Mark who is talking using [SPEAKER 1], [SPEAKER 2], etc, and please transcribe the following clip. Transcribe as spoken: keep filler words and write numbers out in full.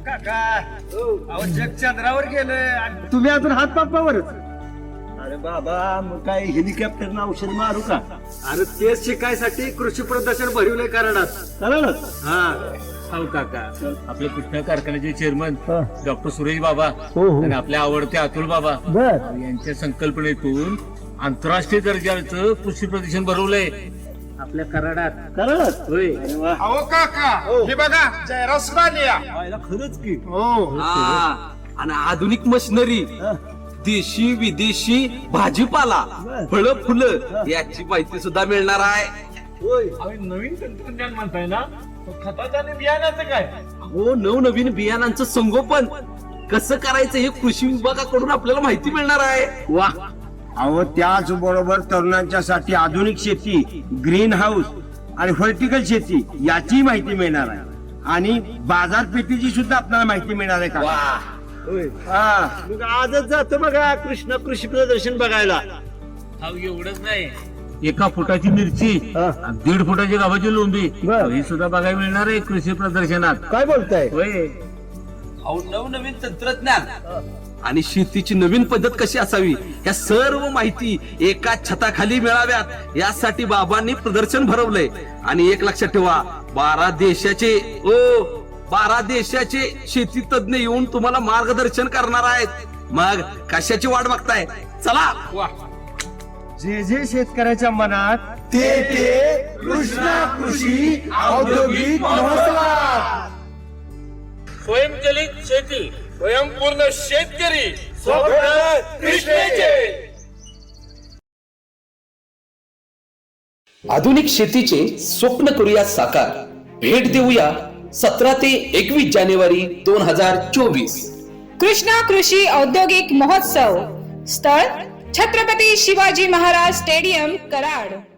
[SPEAKER 1] काका अहो जग चंद्रावर गेलं आणि
[SPEAKER 2] तुम्ही अजून हात पापावरच.
[SPEAKER 3] अरे बाबा मग काय हेलिकॉप्टरनं औषध मारू का?
[SPEAKER 2] अरे तेच शिकायसाठी कृषी प्रदर्शन भरवलंय कराडात.
[SPEAKER 3] कराडच
[SPEAKER 2] हा
[SPEAKER 4] हो काका आपले कृष्णा कारखान्याचे चेअरमन
[SPEAKER 3] हा.
[SPEAKER 4] डॉक्टर सुरेश बाबा
[SPEAKER 3] हो, हो.
[SPEAKER 4] आणि आपले आवडते अतुल बाबा
[SPEAKER 3] बर
[SPEAKER 4] यांच्या संकल्पनेतून आंतरराष्ट्रीय दर्जाचं कृषी प्रदर्शन भरवलंय आपल्या कराडात.
[SPEAKER 3] कराडच.
[SPEAKER 4] होय
[SPEAKER 3] अरे वा.
[SPEAKER 1] अहो काका हे बघा जयरास बालिया
[SPEAKER 3] पाहिला खरंच की.
[SPEAKER 5] हा, आणि आधुनिक मशिनरी,
[SPEAKER 3] हा.
[SPEAKER 5] देशी विदेशी भाजीपाला,
[SPEAKER 3] बर.
[SPEAKER 5] फळं फुलं याची माहिती सुद्धा मिळणार आहे.
[SPEAKER 3] होय.
[SPEAKER 4] नवीन तंत्रज्ञान म्हणताय ना खताचं आणि बियाण्याचं काय?
[SPEAKER 5] हो, नवनवीन बियाणांचं संगोपन कसं करायचं हे कृषी विभागाकडून आपल्याला माहिती मिळणार आहे.
[SPEAKER 2] वा.
[SPEAKER 1] अहो त्याच बरोबर तरुणांच्यासाठी आधुनिक शेती, ग्रीन हाऊस आणि व्हर्टिकल शेती याची माहिती मिळणार आहे आणि बाजारपेठेची सुद्धा आपल्याला माहिती मिळणार आहे का?
[SPEAKER 3] होय.
[SPEAKER 1] हा
[SPEAKER 3] मग आजच जातो बघा कृष्णा कृषी प्रदर्शन बघायला.
[SPEAKER 4] हा एवढंच नाही एका फुटाची मिरची
[SPEAKER 3] हा.
[SPEAKER 4] आणि दीड फुटाची गावाची लोंबी
[SPEAKER 3] बर.
[SPEAKER 4] ही सुद्धा बघायला मिळणार आहे कृषी प्रदर्शनात.
[SPEAKER 3] काय बोलताय?
[SPEAKER 4] होय
[SPEAKER 5] अहो, नवनवीन तंत्रज्ञान आणि शेतीची नवीन पद्धत कशी असावी या सर्व माहिती एका छताखाली मिळाव्यात यासाठी बाबांनी प्रदर्शन भरवलंय. आणि एक लक्षात ठेवा, बारा देशाचे ओ बारा देशाचे शेती तज्ञ येऊन तुम्हाला मार्गदर्शन करणार आहेत. मग कशाची वाट बघताय? चला.
[SPEAKER 1] जे जे शेतकऱ्याच्या मनात
[SPEAKER 3] ते ते कृष्णा कृषी औद्योगिक महोत्सवात.
[SPEAKER 4] स्वयंचलित शेती स्वयंपूर्ण शेतकरी
[SPEAKER 5] आधुनिक शेतीचे स्वप्न करूया साकार. भेट देऊया सतरा ते एकवीस जानेवारी दोन हजार चोवीस.
[SPEAKER 6] कृष्णा कृषी औद्योगिक महोत्सव. स्थळ छत्रपती शिवाजी महाराज स्टेडियम कराड.